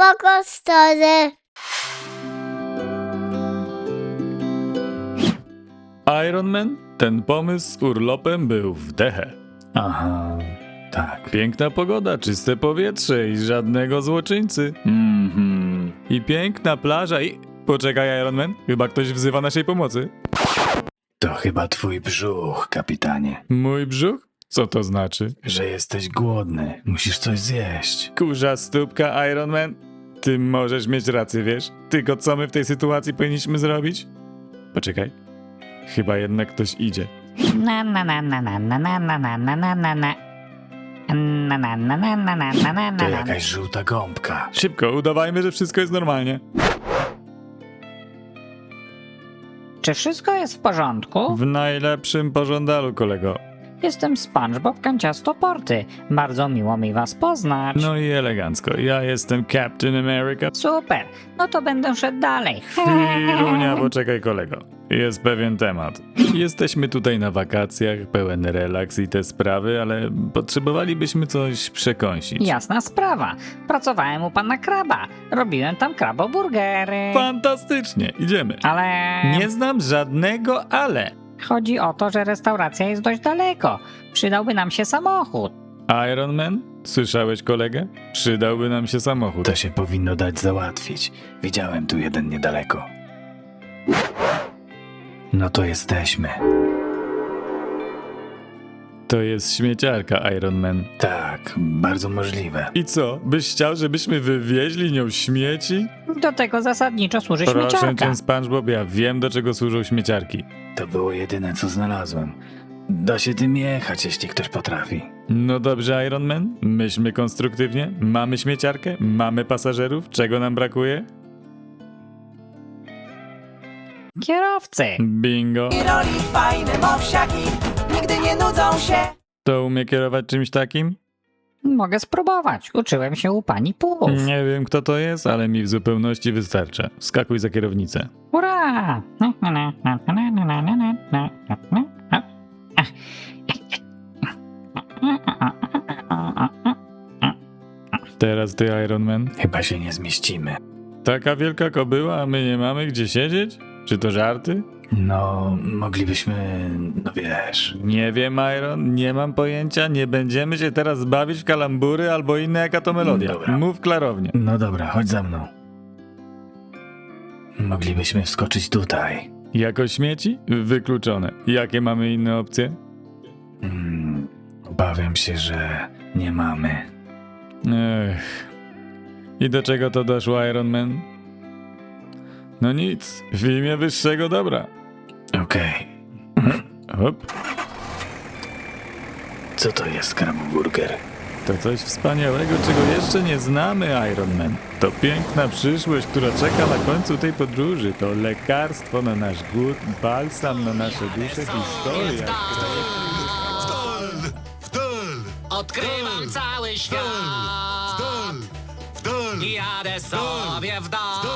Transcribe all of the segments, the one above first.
spoko stary. Iron Man, ten pomysł z urlopem był w dechę. Aha, tak. Piękna pogoda, czyste powietrze i żadnego złoczyńcy. I piękna plaża i... Poczekaj, Iron Man, chyba ktoś wzywa naszej pomocy. To chyba twój brzuch, kapitanie. Mój brzuch? Co to znaczy? Że jesteś głodny. Musisz coś zjeść. Kurza stópka, Iron Man. Ty możesz mieć rację, wiesz? Tylko co my w tej sytuacji powinniśmy zrobić? Poczekaj. Chyba jednak ktoś idzie. Na na na na na na na na na na na na na. Na na na na na na na na To na. jakaś żółta gąbka. Szybko, udawajmy, że wszystko jest normalnie. Czy wszystko jest w porządku? W najlepszym pożądalu, kolego. Jestem SpongeBob Kanciastoporty. Bardzo miło mi was poznać. No i elegancko. Ja jestem Captain America. Super, no to będę szedł dalej. Chwilunia, poczekaj, kolego. Jest pewien temat. Jesteśmy tutaj na wakacjach, pełen relaks i te sprawy, ale potrzebowalibyśmy coś przekąsić. Jasna sprawa. Pracowałem u pana Kraba. Robiłem tam kraboburgery. Fantastycznie, idziemy. Ale Nie znam żadnego ale. chodzi o to, że restauracja jest dość daleko. Przydałby nam się samochód. Iron Man? Słyszałeś kolegę? Przydałby nam się samochód. To się powinno dać załatwić. Widziałem tu jeden niedaleko. No to jesteśmy. To jest śmieciarka, Iron Man. Tak, bardzo możliwe. I co? Byś chciał, żebyśmy wywieźli nią śmieci? Do tego zasadniczo służy Proszę śmieciarka. cię, SpongeBob, ja wiem, do czego służą śmieciarki. To było jedyne, co znalazłem. Da się tym jechać, jeśli ktoś potrafi. No dobrze, Iron Man, myślmy konstruktywnie. Mamy śmieciarkę, mamy pasażerów, czego nam brakuje? Kierowcy. Bingo. I roli fajne mowsiaki nigdy nie nudzą się. To umie kierować czymś takim? Mogę spróbować. Uczyłem się u pani Puf. Nie wiem, kto to jest, ale mi w zupełności wystarcza. Skakuj za kierownicę. Hurra! Teraz ty, Iron Man. Chyba się nie zmieścimy. Taka wielka kobyła, a my nie mamy gdzie siedzieć? Czy to żarty? No, moglibyśmy, no wiesz. Nie wiem, Iron, nie mam pojęcia. Nie będziemy się teraz bawić w kalambury albo inne jaka to melodia. Dobra. Mów klarownie. No dobra, chodź za mną. Moglibyśmy wskoczyć tutaj. Jako śmieci? Wykluczone. Jakie mamy inne opcje? Obawiam się, że nie mamy. Ech. I do czego to doszło, Iron Man? No nic, w imię wyższego dobra. Okej. Hop, Co to jest kraboburger? to coś wspaniałego, czego jeszcze nie znamy, Iron Man. To piękna przyszłość, która czeka na końcu tej podróży. To lekarstwo na nasz głód, balsam na nasze dusze, historia. Odkrywam cały świat. Jadę sobie w dal.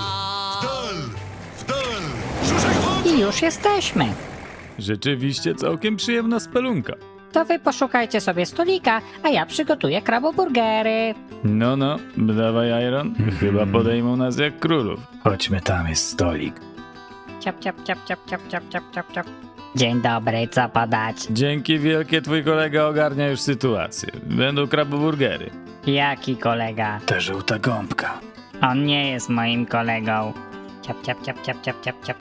I już jesteśmy. Rzeczywiście całkiem przyjemna spelunka. To wy poszukajcie sobie stolika, a ja przygotuję kraboburgery. No, dawaj, Iron. Chyba podejmą nas jak królów. Chodźmy, tam jest stolik. Ciap, ciap, ciap, ciap, ciap, ciap, ciap, ciap, ciap. Dzień dobry, co podać? Dzięki wielkie, twój kolega ogarnia już sytuację. Będą kraboburgery. Jaki kolega? Ta żółta gąbka. On nie jest moim kolegą. Ciap, ciap, ciap, ciap, ciap, ciap, ciap.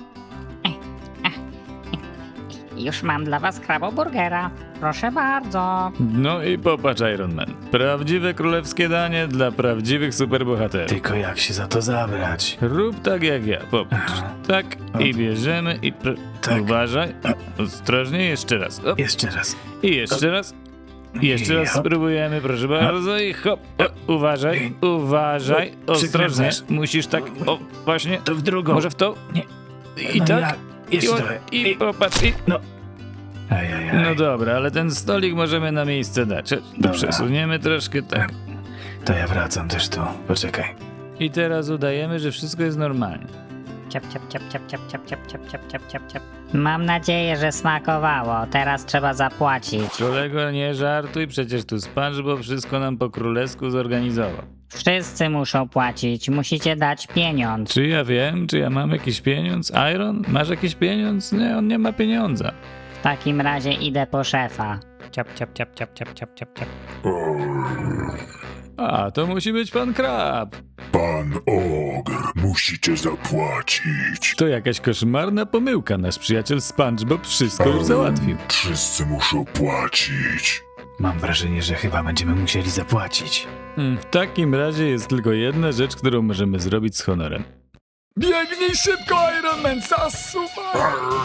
Już mam dla was kraboburgera. Proszę bardzo. No i popatrz, Iron Man. Prawdziwe królewskie danie dla prawdziwych superbohaterów. Tylko jak się za to zabrać? Rób tak jak ja, popatrz. Aha. Tak, i bierzemy i... Tak. Uważaj. Ostrożnie, jeszcze raz. Hop. Jeszcze raz. I jeszcze raz. I jeszcze raz Hop. spróbujemy, proszę bardzo. I hop. Uważaj, uważaj. Ostrożnie. Przykręcasz. Musisz tak, o, właśnie. To w drugą. Może w to? Nie. I No tak. ja- Jeszcze trochę. I popatrz. Ajajaj. No dobra, ale ten stolik możemy na miejsce dać. Dobra. Przesuniemy troszkę tak. To ja wracam też tu. Poczekaj. I teraz udajemy, że wszystko jest normalnie. ciap, ciap, ciap, ciap, ciap, ciap, ciap, ciap, ciap, ciap, ciap, ciap. Mam nadzieję, że smakowało. Teraz trzeba zapłacić. Kolego, nie żartuj, przecież tu SpongeBob wszystko nam po królewsku zorganizował. Wszyscy muszą płacić. Musicie dać pieniądz. Czy ja wiem, czy ja mam jakiś pieniądz? Iron, masz jakiś pieniądz? Nie, on nie ma pieniądza. W takim razie idę po szefa. Ciap, ciap, ciap, ciap, ciap, ciap, ciap, ciap. A, to musi być pan Krab. Pan Ogr, musicie zapłacić. To jakaś koszmarna pomyłka. Nasz przyjaciel SpongeBob wszystko już załatwił. Wszyscy muszą płacić. Mam wrażenie, że chyba będziemy musieli zapłacić. W takim razie jest tylko jedna rzecz, którą możemy zrobić z honorem. Biegnij szybko, Iron Man! Zasuwaj!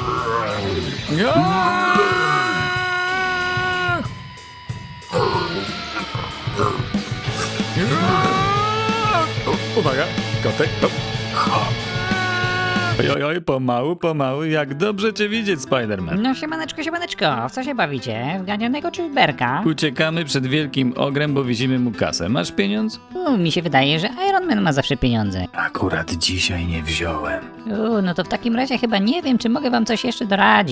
Uwaga, kotek. Oj, pomału, jak dobrze cię widzieć, Spider-Man. No siemaneczko, w co się bawicie? W ganianego czy w berka? Uciekamy przed wielkim ogrem, bo wizimy mu kasę. Masz pieniądz? Mi się wydaje, że Iron Man ma zawsze pieniądze. Akurat dzisiaj nie wziąłem. No to w takim razie chyba nie wiem, czy mogę wam coś jeszcze doradzić.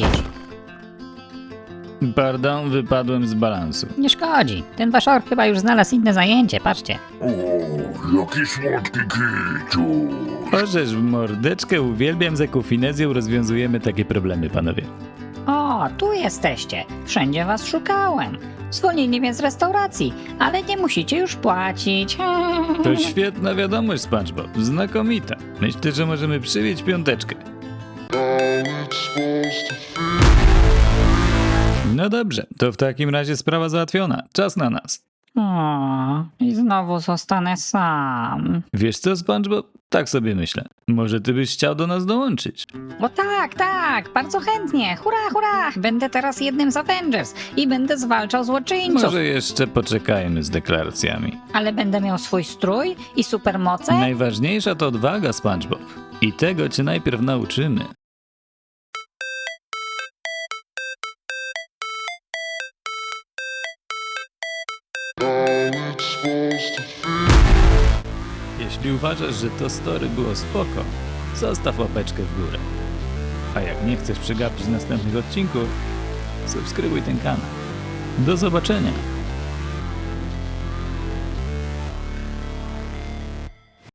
Pardon, wypadłem z balansu. Nie szkodzi. Ten wasz ork chyba już znalazł inne zajęcie, patrzcie. O, jaki słodki kiciu. Orzesz w mordeczkę, uwielbiam, z jaką finezją rozwiązujemy takie problemy, panowie. O, tu jesteście. Wszędzie was szukałem. Zwolnili mnie z restauracji, ale nie musicie już płacić. To świetna wiadomość, SpongeBob. Znakomita. Myślę, że możemy przywieźć piąteczkę. No dobrze, to w takim razie sprawa załatwiona. Czas na nas. O, i znowu zostanę sam. Wiesz co, SpongeBob? Tak sobie myślę. Może ty byś chciał do nas dołączyć? O tak, bardzo chętnie. Hurra. Będę teraz jednym z Avengers i będę zwalczał złoczyńców. Może jeszcze poczekajmy z deklaracjami. Ale będę miał swój strój i supermoce? Najważniejsza to odwaga, SpongeBob. I tego cię najpierw nauczymy. Jeśli uważasz, że to story było spoko, zostaw łapeczkę w górę. A jak nie chcesz przegapić następnych odcinków, subskrybuj ten kanał. Do zobaczenia!